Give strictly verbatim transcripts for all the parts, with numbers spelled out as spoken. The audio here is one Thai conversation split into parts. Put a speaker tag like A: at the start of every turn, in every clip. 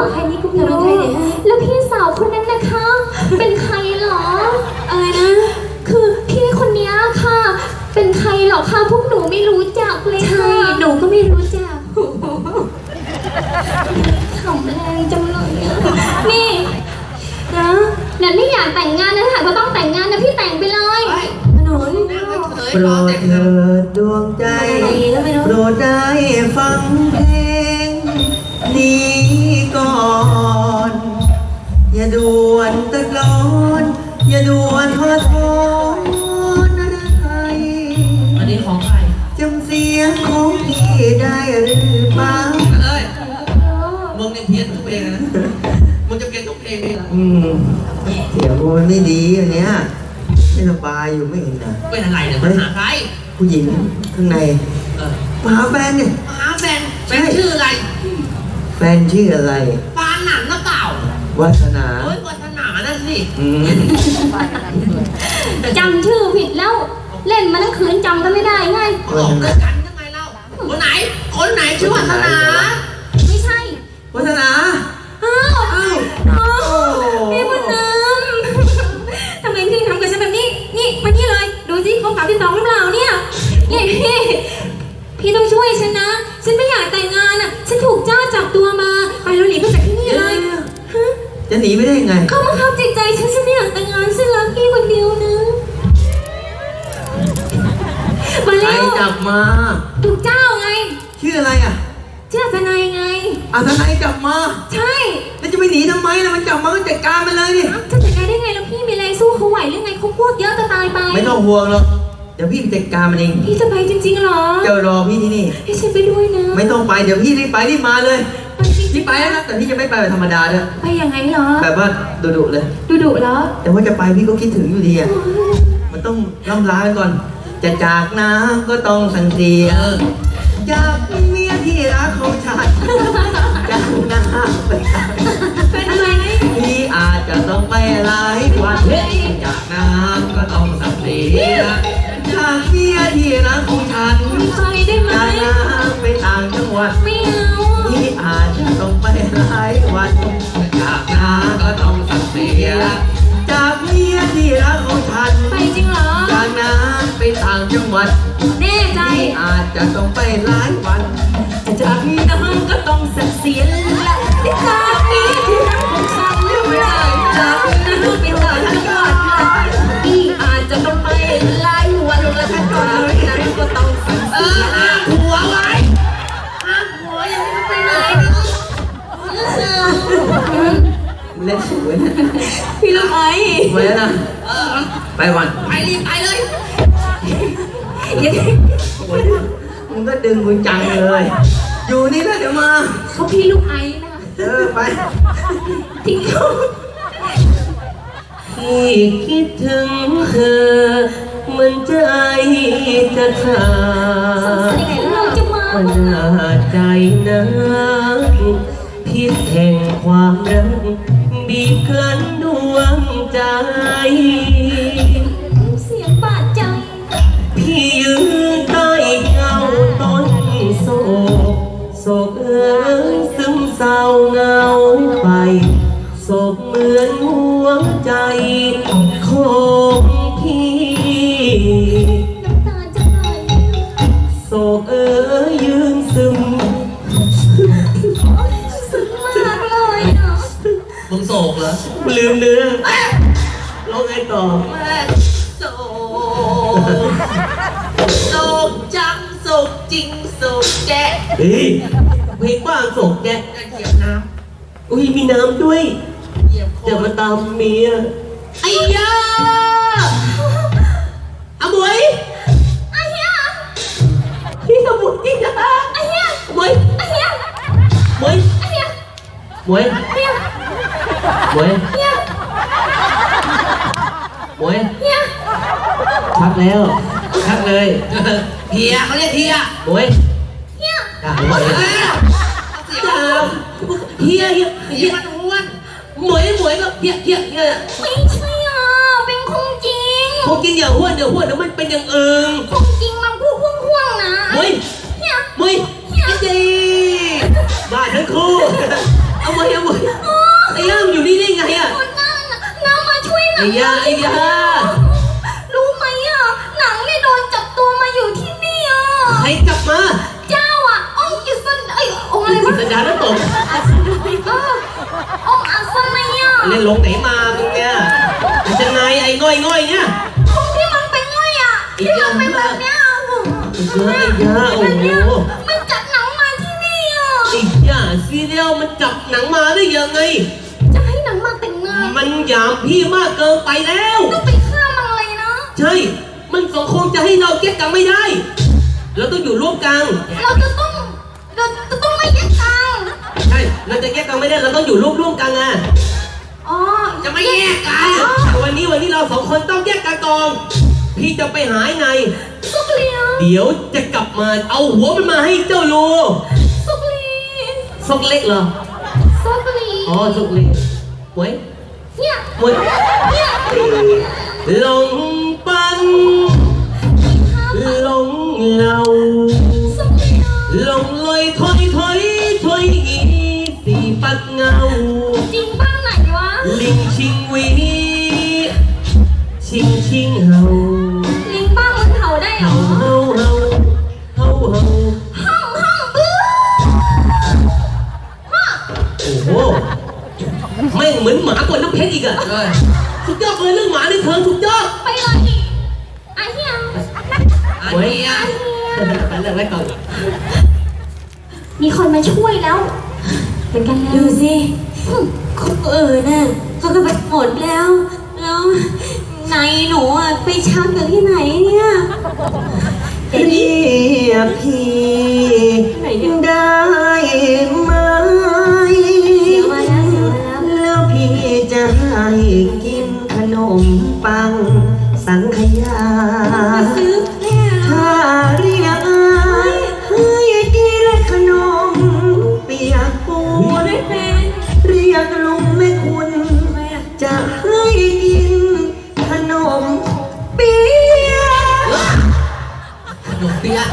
A: แค่นี้ก็ไม่รู้แล้วพี่สาวคนนั้นนะคะ เป็นใครเหรออะไรนะคือพี่คนนี้ค่ะเป็นใครเหรอคะพวกหนูไม่รู้จักเลยค่ะหนูก็ไม่รู้จักขำแรงจังเลยอะนี่นะนันไม่อยากแต่งงานนะค่ะก็ต้องแต่งงานนะพี่แต่งไปเลยหนู
B: โปรดเถิดดวงใจโปรดได้ฟังเพลงนี้ก่อนอย่าด่วนตะกลอนอย่าด่วนทอดทอนอะไร
C: อันนี้ของใคร
B: จำเสียงของพี่ได้หรือเปล่า
C: เอ้ยมึงเนี่ยเพี้ยนทุกเพลงนะมึงจะเพี้ยนทุกเพลงเลยเหรอ
B: อืมเสียงกูมันไม่ดีอันเนี้ยไม่สบายอยู่ไม่เห็นนะ
C: เป็นอะไรเนี่ยมันหาใคร
B: ผู้หญิงข้างในมาหาแฟนเนี่ย
C: มาหาแฟนแฟนชื่ออะไร
B: แฟนชื่ออะไร
C: ปานหนันหรือเปล่า
B: วัฒนา
C: โอ้ยวัฒนานั่นสิ
A: จำชื่อผิดแล้วเล่นมาทั้งคืนจำก็ไม่ได้ไง
C: ออกด้วยกันยังไงเล่าคนไหนคนไหนชื่อวัฒนา
A: ไม่ใช่
B: วัฒนา
A: อ้าวอ้าวอ้าวพี่บุญนำทำไมพี่ทำกับฉันแบบนี้นี่มานี่เลยดูสิครบสามที่สองหรือเปล่าเนี่ยนี่พี่พี่ต้องช่วยฉันนะฉันไม่อยากแต่งงานอ่ะฉันถูกเจ้าจับตัวมาไปเราหนีไปจากที่นี่เลย
B: จะหนีไม่ได้ยังไง
A: เขามาขับจิตใจฉันฉันไม่อยากแต่งงานฉันรักพี่คนเดียวนะมาเร็ว
B: ใครจับมา
A: ถูกเจ้าไง
B: ชื่ออะไรอ่ะ
A: ชื่อทนายไง
B: อ่ะทนายจับมา
A: ใช่
B: แล้วจะไปหนีทำไมล่ะมันจับมาก็จัดการมันเลยดิ
A: จะจัดการได้ไงแล้วพี่มีแรงสู้เขาไหวหรือไงเขาพวกเยอะจะตายไป
B: ไม่ต้องห่วงหรอกเดี๋ยวพี่ไปจัดการมันเอง
A: พี่จะไปจริงๆหรอ
B: เจ้ารอพี่ที่นี่
A: ให้ฉันไปด้วยนะ
B: ไม่ต้องไปเดี๋ยวพี่รีบไปรีบมาเลยพี่ไปแล้วนะแต่พี่จะไม่ไปแบบธรรมดาด้วย
A: ไปยังไงเหรอ
B: แบบว่าดุๆเลย
A: ดุๆเหรอ
B: แต่ว่าจะไปพี่ก็คิดถึงอยู่ดีอ่ะมันต้องล่ำลาไปก่อนจะจากน้ำก็ต้องสั่งเสียจากเมียที่รักของฉันจากน้ำไป
A: เป็นอะไร
B: พี่อาจจะต้องไปหลายวันจากน้ำก็ต้องสั่งเสียจากเมียที่รักของฉัน
A: ไปได้ไหม
B: จากน้ำไปต่างจังหวัด
A: ไม่เอา
B: พี่อาจจะต้องไปหลายวันจากน้ำก็ต้องสั่งเสียจากเมียที่รักของฉัน
A: ไปจริงเหรอ
B: จากน้ำไปต่างจังหวัด
A: แน่ใจ
B: อาจจะต้องไปหลายวัน
A: จากน้ำก็ต้องสั่งเสียและจากเมียที่รักของฉันจากน้ำไปต่างจังหวัดพี่อาจจะต้องไปหลายวันและจากนั้นก็ต้องสั่งเสีย
C: หัวไว้ห้ามหัวยังไม่ไปไหน
B: เล่นสวยนะ
A: พี่ลูกไอ้
B: ไปแล้วนะไปวัน
C: ไปรีบไปเลย
B: มึงก็ดึงมึงจังเลยอยู่นี่แล้วเดี๋ยวมา
A: เขาพี่ลูกไอ้นะ
B: เออไป
A: ทิ้งเขา
B: พี่คิดถึงเธอมันใจจะขาดมันน่าใจนักพิษแห่งความรักบีบคั้นดวงใจ
A: เสียงบาดใจ
B: พี่ยืนใต้เงาต้นโศกโศกเอ๋ยซึมเศร้าเงาไปโศกเหมือนหัวใจของพี่
A: น้ำตาจะไหล
B: โศกเอ๋ยยืนซึม
A: ซึมมากเลยเนาะ
C: มึงโศกเหรอ
B: ลืมเนื้อร้องไงต่อ
C: โศกโศกจังโศกจริงโศกแกะ
B: เฮ้ยเพลงบ้าโศกแกะ
C: เหยียบน้
B: ำอุ้ยมีน้ำด้วย
C: เหยียบ
B: จะมาตามเมีย
C: ไอ้ยาอาบวย
A: ไอ้เหี้ย
B: พี่อาบวยนะ
A: ไอ้เหี้ย
B: บวย
A: ไอ้เหี้ย
B: บวย
A: ไอ้เหี้ย
B: บวย
A: เหี้ย
B: บวย
A: เหี้ย
B: บวย
A: เหี้ย
B: ชักแล้วชักเลย
C: เฮียเขาเรียกเฮีย
B: บวย
A: เหี้ย
B: ด่าบวย
C: เฮีย
B: เฮียเฮีย
C: เฮียมันอ้วน
B: หมวยหมวยก็เฮียเฮียเฮีย
A: ไม่ใช่อ่ะเป็นคงจริง
B: คงจริงอย่าห้วนเดี๋ยวห้วนเดี๋ยวมันเป็นอย่างอื่น
A: คงจริงมันพูดพ่วงๆนะ
B: หมวย
A: เฮีย
B: หมวยเฮียจีบ้าทั้งคู่เอาหมวยเอาหมวย
C: อ้ยาไอ้ยา
A: รู้ไหมอ่ะหนังเนี่ยโดนจับตัวมาอยู่ที่นี่อ่ะ
C: ใครจับมา
A: เจ้าอ่ะองค์อิสันไอ้ยองค์อะไร
C: กิ
A: วะ
C: สัญญาแล้วตก
A: เออองค์อัศนัยอ่ะ
C: เล่นลงไหนมามึงเนี่ยมันจะไงไอ้ง่อยง่อยๆเนี่ย
A: องค์ที่มันเป็นไงอ่ะที่มันเป็นแบบเนี้ย
C: เยอะไอ้ยาโอ้โห
A: มันจับหนังมาที่นี่อ่ะ
C: ไอ้ยาซีเรียลมันจับหนังมาได้ยังไง
A: จะให้หนังมาแต่งงาน
C: มันหยามพี่มากเกินไปแล้ว
A: ต้องไปฆ่ามันเลยนะ
C: ใช่ มันสองคงจะให้เราแยกกันไม่ได้ เราต้องอยู่ร่วมกัน
A: เราจะต้องเราจะต้องไม่แยกทาง
C: ใช่ เราจะแยกกันไม่ได้ เราต้องอยู่ร่วมร่วมกันอ่ะ
A: อ๋อ
C: จะไม่แยกกันวันนี้วันนี้เราสองคนต้องแยกกันก่อน พี่จะไปหาไอ้ไง
A: สุกเลียว
C: เดี๋ยวจะกลับมาเอาหัวมันมาให้เจ้าโล
A: สุกลี
C: ซกเล็กเหรอ
A: สุกลี
C: อ๋อซกเล็กหวย
A: เนี่ย
C: หวย
A: เนี่ย
C: หลงปันหลงเหล่า
A: สุกเลียว
C: หลงลอยถอยถอยถอยอีสีปัดเงา
A: จริงบ้างไหนวะ
C: ลิงชิงหวีชิงชิงเฮา
A: ลิงบ้างมันเห่าได้เหร
C: เฮา
A: อ
C: เฮาเฮาเฮาเฮา
A: ห้องห้องบื้อห้อง
C: โอ้โหแม่งเหมือนหมากว่าน้ำเพชรอีกอะสุดยอดเลยเรื่องหมาในเธอสุดยอด
A: ไปเลยอีกไอ้เหี้ย
C: หวยไปเรื่องอะไรก่อน
A: มีคนมาช่วยแล้วเหมือนกันแล้ว
D: ดูสิเออน่ะเขาก็ไปหมดแล้ว แล้วในหนูอ่ะไปชักอยู่ที่ไหนเนี่ย
B: เรียกพี่ได้ไหม
D: เดี๋ยวมาแล้วเดี๋ยวมาแล้ว
B: แล้วพี่จะให้กินขนมปังสังขยา
D: ซื้อเนี่ย
B: ถ้าเรียกอายให้กินขนมเปียกปู
D: หัวน ด้วยแฟน
B: เรียกลุงแม่คุณ
D: ทำไมอ่ะ
B: จะให้กินขนมเปียก
C: ขนมเปี๊ยะ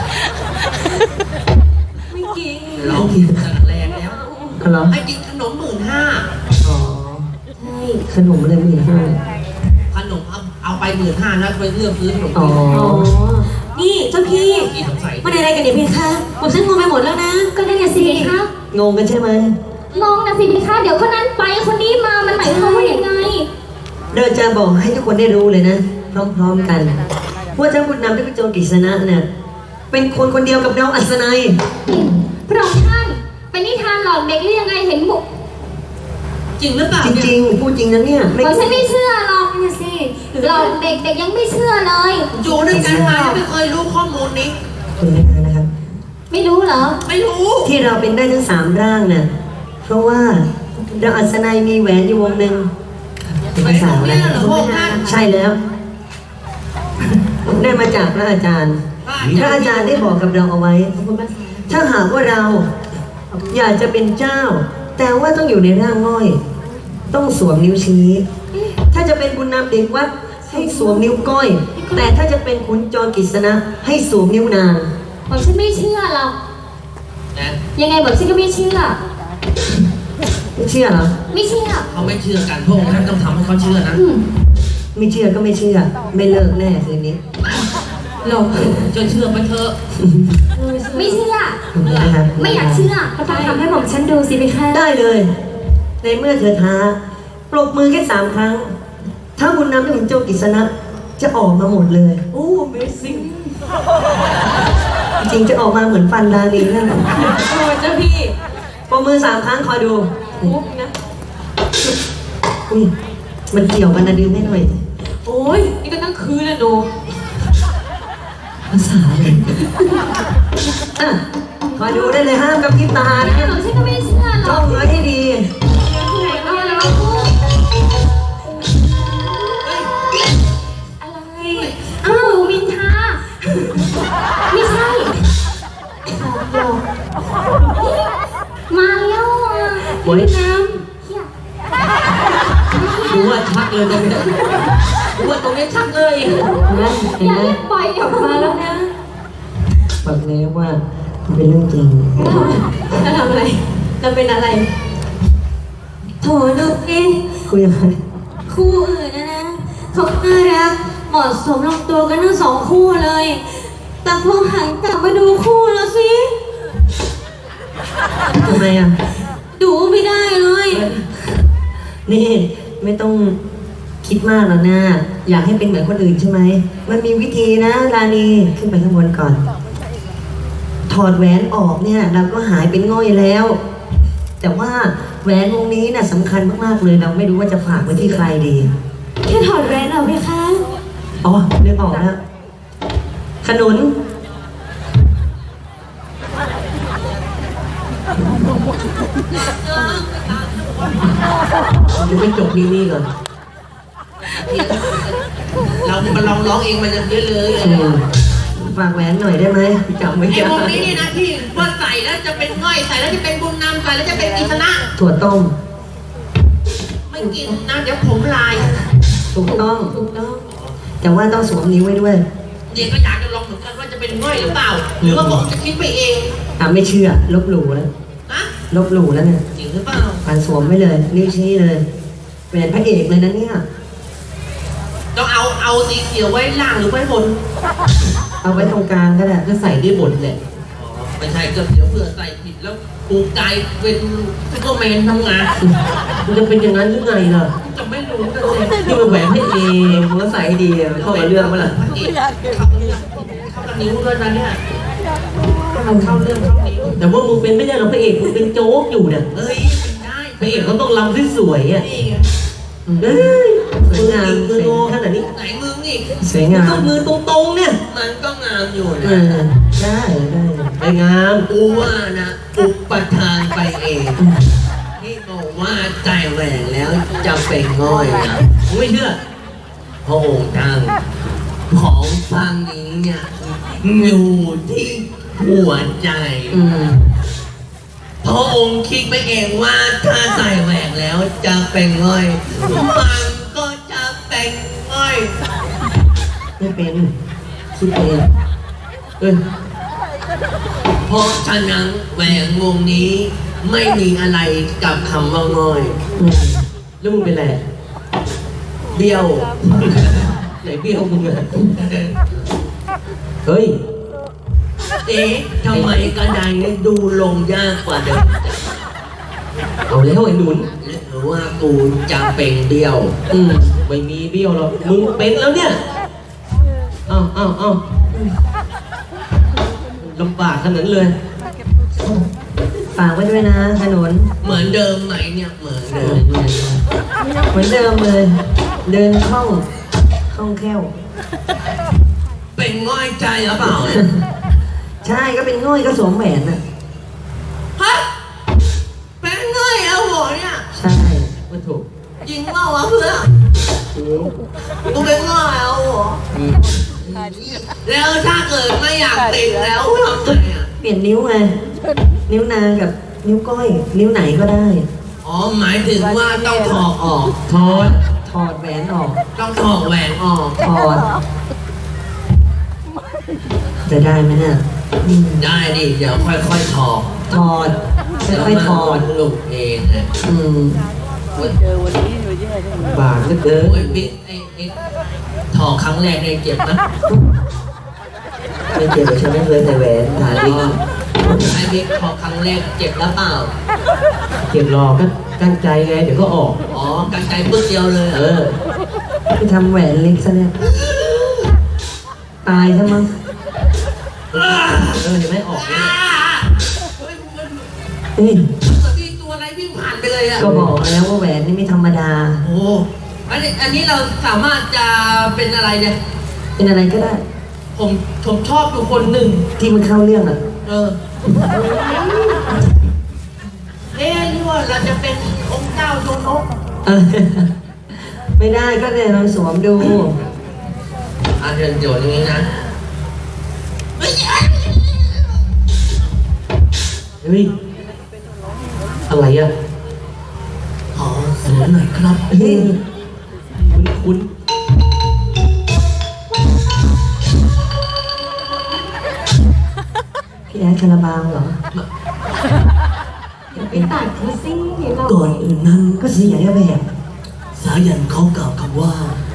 D: ไม่กิน
C: เรากินกันแรงแล้ว
B: เหรอ
C: ให้กินขนมหมื่นห้า
B: อ๋อ
D: ใช่
B: ขนมอะไรไม่เห็นให้
C: ขนมเอาเอาไปหมื่นห้าแล้วไปเลือกซื้อขนม
B: อ๋อ
C: เปี๊ยะ
D: อ๋อนี่เจ้าพี่
C: กินน้ำใส
D: มันอะไรกันเนี่ยพี่คะผมฉันงงไปหมดแล้วนะ
A: ก็ได้ไงสิพี่คะ
B: งงกันใช่ไหม
A: มองนะสิพี่คะเดี๋ยวคนนั้นไปคนนี้มามันหมายความว่ายังไง
B: เราจะบอกให้ทุกคนได้รู้เลยนะ พร้อมๆกันว่าเจ้าบุญนำที่เป็นโจรกฤษณะเนี่ยเป็นคนคนเดียวกับน้องอัศนัย
A: พระองค์ท่านเป็นนิทานหลอกเด็กหรือยังไงเห็นบุก
C: จริงหรือเปล่า
B: จ
C: เนี่ย
B: ริงๆพูดจริงนะเนี่ยไม่
A: ผมฉันไม่เชื่อหรอกเนี่ยสิหลอกเด็กเด็กยังไม่เชื่อเลย
C: อยู่ด้วยกันมาไม่เคยรู้ข้อมูลนี้
B: คุณนะนะครับ
A: ไม่รู้เหรอ
C: ไม่รู้
B: ที่เราเป็นได้ทั้งสามร่างน่ะเพราะว่าเราอัศนัยมีแหวนอยู่วงหนึ่งเป็นภาษาอะไร
C: เหรอพวกท่าน
B: ใช่แล้วได้มาจากพระอาจารย์ พระอาจารย์ได้บอกกับเราเอาไว้ ถ้าหากว่าเราอยากจะเป็นเจ้า แต่ว่าต้องอยู่ในร่างง่อย ต้องสวมนิ้วชี้ ถ้าจะเป็นบุญนำเด็กวัดให้สวมนิ้วก้อย แต่ถ้าจะเป็นขุนจรกฤษณะให้สวมนิ้วนาง
A: ผมฉันไม่เชื่อหรอก
C: นะ
A: ยังไงผมฉันก็ไม่เชื่อ
B: ไม่เชื่อเหรอ
A: ไม่เชื่อ
C: เขาไม่เชื่อกันพวกท่านต้องทำให้เขาเชื่อนะ
A: อืม
B: ไม่เชื่อก็ไม่เชื่อ ไม่เลิกแน่คืนนี้
C: เราจะเชื่อไปเถอะ
A: ไม่เชื่อ
B: นะครับ
A: ไม่อยากเชื่อก็ต้องทำให้ผมฉันดูสิพี่คะ
B: ได้เลย ในเมื่อเธอท้าปรบมือแค่สามครั้ง ถ้าบุญนำได้ขุนโจรกฤษณะจะออกมาหมดเลย
D: โอ้ Amazing
B: จริงๆจะออกมาเหมือนฟันดาลีนั่นแหละ
D: โอ้เจ้าพี่
B: ปรบมือสามครั้งคอยดู
D: ปุ๊บนะ
B: อุ้ยมันเกี่ยวกันนะดึงให้หน่อย
D: โอ้ยนี่ก็ตั้งคืนนะหนู
B: ภาษาอะไรอ่ะคอยดูได้เลยห้ามกับพริบตา
A: ยังไง
B: นะ
A: ผมฉันก็ไม่เชื่อหร
B: จ้
A: อ
B: อก งไว้ให้ดี
A: ไหนก็แล้วอะไรอ้าวมินทาไม่ใช่มาแล้วอ่ะ
B: โอ้ย
A: น้ำเฮีย
C: ดูว่าชักเลยตรงนี้ดูว่าตรงนี้ชักเลย
B: นะเห็น
A: อย่า
B: ไหม
A: เรียกปล่อยออกมาแล้วนะ
B: บอกแล้วว่ามันเป็นเรื่องจริง
D: จะทำอะไร จะเป็นอะไร โถลูกเอ้
B: คุยอะไร
D: คู่อื่นนะนะเขาน่ารักเหมาะสมลงตัวกันทั้งสองคู่เลย แต่พอหันกลับมาดูคู่แล้วสิ
B: ทำไมอ่ะ
D: ดูไม่ได้เลย
B: นี่ไม่ต้องคิดมากหรอกนะอยากให้เป็นเหมือนคนอื่นใช่ไหมมันมีวิธีนะราณีขึ้นไปข้างบนก่อน ถอดแหวนออกเนี่ยเราก็หายเป็นง่อยแล้ว แต่ว่าแหวนวงนี้น่ะสำคัญมากๆเลยเราไม่รู้ว่าจะฝากไว้ที่ใครดี
D: แค่ถอดแหวนออกไหมคะ
B: อ๋อเลือกออกแล้วขนุนจะไม่จบนี่นี่ก่อน
C: เรามาลองร้องเองมันจะเยอะเลย
B: อืมฝากแหวนหน่อยได้ไหมจำไม่
C: ไอ้
B: ได้
C: พวกนี้นี่นะที่ว่าใส่แล้วจะเป็นง่อยใส่แล้วจะเป็นบุญนำใส่แล้วจะเป็นกิษณะ
B: ถั่วต้ม
C: ไม่กินนะเดี๋ยวผมลาย
B: ถูกต้อง
D: ถูกต้อง
B: แต่ว่าต้องสวมนิ้วไว้ด้วย
C: เดี๋ยวก็อยากจะลองเหมือนกันว่าจะเป็นง่อยหรือเปล่าหรือว่าผมจะคิดไปเอง
B: อ่ะไม่เชื่อลบหลู่แล้ว
C: นะ
B: ลบหลู่แล้วเนี่ย
C: จริงหรือเปล่า
B: ผ่านสวมไว้เลยนิ้วชี้เลยแหวนพระเอกเลยนะเนี่ย
C: ต้องเอาเอาสีเขียวไว้ล่างหรือไว้บน
B: เอาไว้ตรงกลางก็ได้ก็ใส่ได้หมดแหละ
C: อ๋อไม่ใช่ก็เดี๋ยวเผื่อใส่ผิดแล้วปูกายเป็นซูเปอร์แมนทำงาน
B: มันจะเป็นอย่างนั้นหรือไงล่ะ
C: จะไม่รู้กันเลย
B: นี่มันแหวนพระเอกมันก็ใส่ให้ดีอะมันเข้ากับเรื่องมั้ยล่ะ
C: เข้าเรื่องเข้ากับนิ้วด้วยนะเนี่ยเข้าเข้าเรื่องเข้านิ้ว
B: แต่ว่ามึงเป็นไม่ได้หรอกพระเอกมึงเป็นโจ๊กอยู่เนี่ย
C: เอ้ยได้
B: พระเอกเขาต้องรำสวยๆอ่ะ
C: นี่ไง
B: เอ้ยสวยงามสวยขนาดนี้
C: ไหนมึงอีก
B: สวยงามต้องมือตรงๆเนี่ย
C: มันก็งามอยู่
B: เอ
C: นะ
B: อได้ได้ไปงาม
C: กูว่านะอุปทานไปเองที่บอกว่าใจแหวนแล้วจะเป็นง่อยนะ
B: ผมไม่เชื่อ
C: พระองค์ท่านของฟังนี้เนี่ยอยู่ที่หัวใจ
B: อืม
C: พระองค์คิดไปเองว่าถ้าใส่แหวนแล้วจะเป็นง่อย มันก็จะเป็นง่อย
B: ไม่เป็นคิดเองเออ
C: เพราะฉะนั้นแหวนวงนี้ไม่มีอะไรกับคำว่าง่อย
B: อืมแล้วมึงเป็นไร
C: เบี้ยว
B: ไหนเบี้ยวมึงอะเฮ้ย
C: เอ๊ะทำไมกระไดเนี่ยดูลงยากกว่าเดิม
B: เอาแล้วไอ้หนุน
C: หรือว่ากูจะเป็นเบี้ยว
B: อืมไม่มีเบี้ยวหรอกมึงเป็นแล้วเนี่ยเอ้าเอ้าเอ้าลำบากขนาดนั้นเลยฝากไว้ด้วยนะถนน
C: เหมือนเดิมไหมเนี่ยเหมือนเดิม
B: เหมือนเดิมเลย เดินคล่องคล่องแคล่ว
C: เป็นง่อยใจหรือเปล่า
B: ใช่ก็เป็นง่อยก็สวมแหวนน่ะ
C: ฮะเป็นง่อยแล้วหัวเนี่ย
B: ใช่มันถูก
C: จริงเปล่าวะเพื่อน
B: จริง
C: กูเป็นง่อยแล้วหัว
B: อืม
C: แล้วถ้าเกิดไม่อยากติดแล้วทำไงอ่ะ
B: เปลี่ยนนิ้วไงนิ้วนางกับนิ้วก้อย นิ้วไหนก็ได้
C: อ๋อหมายถึงว่าต้องถอดออก
B: ถอดถอดแหวนออก
C: ต้องถอดแหวนออก
B: ถอด จะได้ไหมเนี่ยอืม
C: ได้ดิเดี๋ยวค่อยๆถอด
B: ถอดค่อยๆถอด
C: หลุดเองนะ
B: อืม
C: โอ้ย
B: บาดเหลือเกิน
C: โอ้ยบิ๊กไอ้ไอ้ถอดครั้งแรกเนี่ยเจ็บนะ
B: ไม่เจ็บเดี๋ยวฉันไม่เคยใส่แหวนหา
C: อ๋
B: ดิ
C: อไอ้บิ๊กถอดครั้งแรกเจ็บแล้วเปล่า
B: เจ็บรอก็กั้นใจไง เดี๋ยวก็ออก
C: อ๋อกันไกลปึ๊กเดียวเลย
B: เออไปทำแหวนเล็กซะเนี่ยตายซะมั้งเออเดี๋ยวไม่ออกเนี่ย
C: เฮ้ยมัน
B: เฮ้ย
C: เหมือนมีตัวอะไรวิ่งผ่านไปเลยอะ
B: ก็บอกแล้วว่าแหวนนี่ไม่ธรรมดา
C: โอ้อันนี้อันนี้เราสามารถจะเป็นอะไรเนี่ย
B: เป็นอะไรก็ได้
C: ผมผมชอบอยู่คนหนึ่ง
B: ที่มันเข้าเรื่องอ่ะ
C: เออเอ๊ะหรือว่าเราจะเป็นองค์เจ้าโยนก
B: เออไม่ได้ก็เลยลองสวมดู
C: อ่ะเดี๋ยวเดี๋ยวอย่างนี้นะเฮ้ย
B: เฮ้ย อะไรอ่ะ
C: ขอสวมหน่อยครับ
B: เฮ้ยคุณคุณพี่แอดคาราบาวเหรอ
D: ไปตัดเขาสิเรา
B: ก่อนอื่นนั้นก็เสียแบบ
C: สายันเขากล่าวคำว่า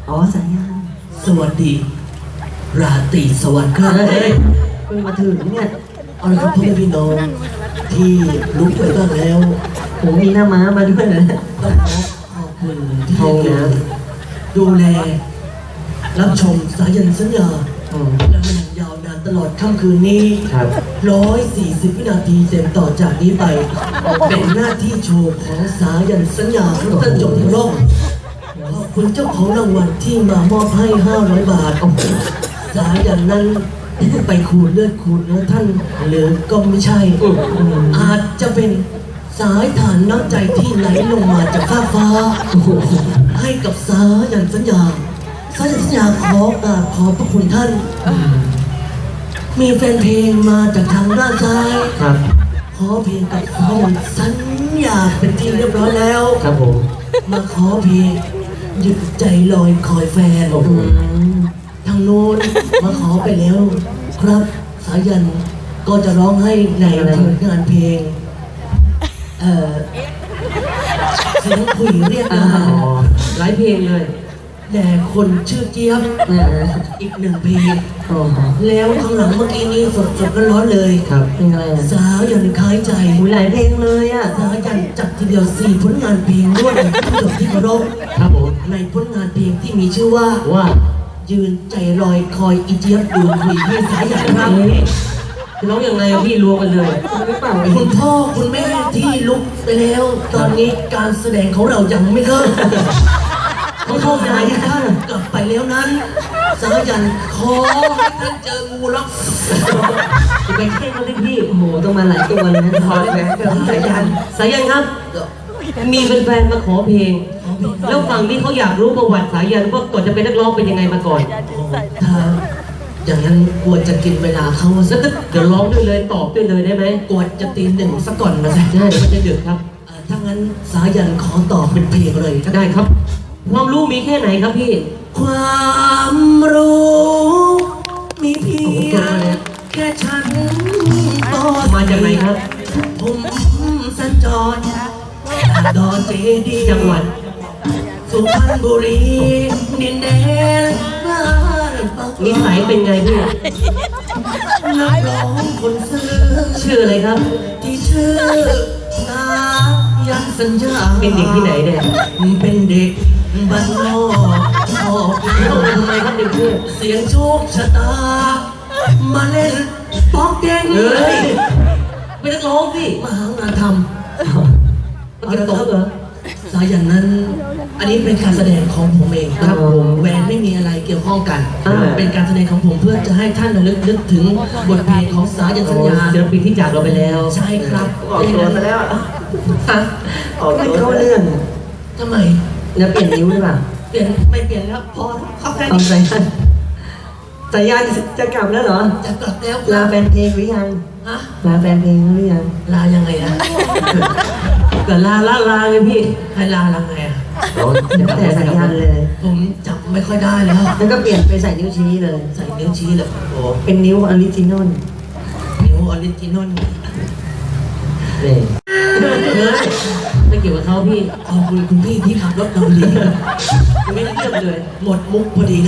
B: อ๋อสายยาน
C: สวัสดี ราตรีสวัสดิ์ครับ
B: เฮ้ยเพิ่งมาถึงเนี่ย
C: เอาละครับพ่อแม่พี่น้องที่ลุกไปบ้างแล้ว
B: ผมมีหน้าม้ามาด้วยนะ
C: ต้องขอขอบคุณที่ให้เกียรติดูแล รับชมสายันสัญญา
B: อืม
C: และมันยาวนานตลอดค่ำคืนนี้
B: ครับ
C: ร้อยสี่สิบวินาทีเต็มต่อจากนี้ไป เป็นหน้าที่โชว์ของสายันสัญญาครับท่านจงที่ร่มขอบคุณเจ้าของรางวัลที่มามอบให้ห้าร้อยบาท สายันนั้นไปขูดเลือดขูดเนื้อท่านหรือก็ไม่ใช่ อาจจะเป็นสายฐานน้ำใจที่ไหลลงมาจากฟ้าฟ้า ให้กับสายันสัญญา สายันสัญญาขอกราบขอบพระคุณท่าน มีแฟนเพลงมาจากทางด้านซ้าย
B: ครับ
C: ขอเพลงกับสายันสัญญาเป็นที่เรียบร้อยแล้ว
B: ครับผม
C: มาขอเพลงหยุดใจลอยคอยแฟน
B: อืม
C: ทางโน้นมาขอไปแล้ว ครับสายันก็จะร้องให้ในผลงานเพลง เอ่อเสียงคุยเรียก
B: อ๋อ
C: นา
B: หลายเพลงเลย
C: แต่คนชื่อเจี๊ยบ
B: เออ
C: อีกหนึ่งเพลง
B: อ๋อ
C: แล้วข้างหลังเมื่อกี้นี้สดสดๆร้อนๆเลย
B: ครับเพลงอะไรอ่ะ
C: สาวยันคล้ายใจ
B: มีหลายเพลงเลยอ่ะ
C: สาวยันจัดทีเดียวสี่ผลงานเพลงด้วยผู้ชมที่เคารพ
B: ครับผม
C: ในผลงานเพลงที่มีชื่อว่า
B: ว่า
C: ยืนใจลอยคอยอีเจี๊ยบดูคุยพี่สายใหญ่ครับ
B: เอ๊ะจะร้องยังไงอะพี่รวมกันเลยหรือเปล่า
C: คุณพ่อคุณแม่ที่ลุกไปแล้ว ตอนนี้การแสดงของเรายังไม่เริ่มเขาเข้าใจท่านกลับไปแล้วนั้น สายันขอให้ท่านเจองูล็อก
B: จะไปแค่เขาเลยพี่โอ้โหต้องมาหลายตัวเลยนะขอแหวนกับสายันสายันครับ มีแฟนๆมาขอเพลง แล้วฝั่งนี้เขาอยากรู้ประวัติสายันว่าก่อนจะเป็นนักร้องเป็นยังไงมาก่อน
C: ถ้าอย่างนั้นกลัวจะกินเวลาเขา
B: แล้
C: สั
B: ว
C: ก
B: ก็เดี๋ยวร้องด้วยเลยตอบด้วยเลยได้ไหม
C: กลัวจะตีหนึ่งสักก่อนนะสิ
B: ใช่เดี๋ยวมันจะดึกครับ
C: เอ่อถ้างั้นสายันขอตอบเป็นเพลงเลยนะ
B: ได้ครับ ความรู้มีแค่ไหนครับพี่
C: ความรู้มีเพียงแค่ฉันก็
B: มาจากไหนครับ
C: ผมสัญจรจากดอนเจดีย์
B: จังหวัด
C: สุพรรณบุรีดินแดนบ้านปัก
B: นิสัยเป็นไงพี่
C: นักร้องคนซื้อ
B: ชื่ออะไรครับ
C: ที่ชื่อสายันสัญญา
B: เป็นเด็กที่ไหนเนี่ย
C: เป็นเด็กบ้านนอกชอบ
B: ต้องทำไมครับเด็กพี่
C: เสียงโชคชะตา มาเล่นป๊อกแกงเล
B: เฮ้
C: ย
B: ยเป็นนักร้องสิ
C: มาหางานท
B: มันเก็บตกเหรอ
C: ำสายันนั้น อันนี้เป็นการแสดงของผมเองครับผมแหวนไม่มีอะไรเกี่ยวข้องกัน
B: อ่า
C: เป็นการแสดงของผมเพื่อจะให้ท่านระลึกนึกถึงบทเพลงของสายันสัญญา
B: ศิลปินที่จากเราไปแล้ว
C: ใช่ครับ
B: ออกตัวซะแล้ว
C: ฮะ
B: ออกตัวเข้าเรื่อง
C: ทำไม
B: แล้วเปลี่ยนนิ้วหรือเปล่า
C: เปลี่ยนไม่เปลี่ยนแล้วพอเข้าแค่
B: ตอน
C: นี้
B: สายันสายันจะกลับแล้วเหรอ
C: จะกลับแล้วค
B: ลา
C: รับ
B: แฟนเพลงหรือยัง
C: ฮะ
B: ลาแฟนเพลงหรือยัง
C: ลายังไงอะ
B: ก็ลาลาลาเลยพี่
C: ให้ลายังไงอะ
B: แล้วแต่สายันเลย
C: ผมจำไม่ค่อยได้แล้ว
B: แล้วก็เปลี่ยนไปใส่นิ้วชี้เลย
C: ใส่นิ้วชี้เลยโอ้
B: เป็นนิ้วออริจินอล
C: นิ้วออริจินอล
B: เลยเฮ้ยไม่เกี่ยวกับเขาพี่
C: ขอบคุณคุณพี่ที่ขับรถเราดี
B: ไม่ได้เลือกเลย
C: หมดมุกพอดีเลย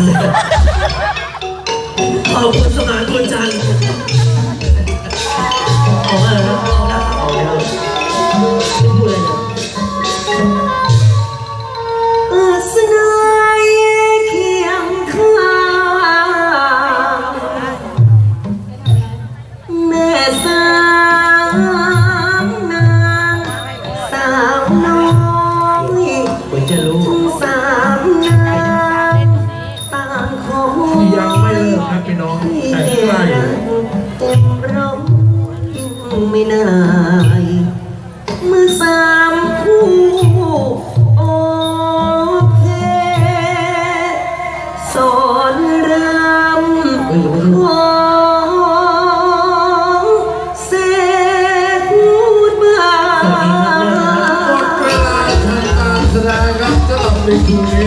C: ขอบคุณสมานคุณจันทร์
B: ออกมาแล้ว
C: เอาละครับ
B: ออกแล้วไม่พูดเลยนะอาสนายเคียงข้างแม่สามนางสาวน้อยควรจะรู้สามนางต่างคง
E: ยังไม่เลิกครับพี่น้องแต่ใกล้
B: เต็มร้อยไม่นายเมื่อสามคู่โอเคสอนรำของเสกพูดบ้า
E: หมดเวลาทำการแสดงครับสำหรับในคืนนี้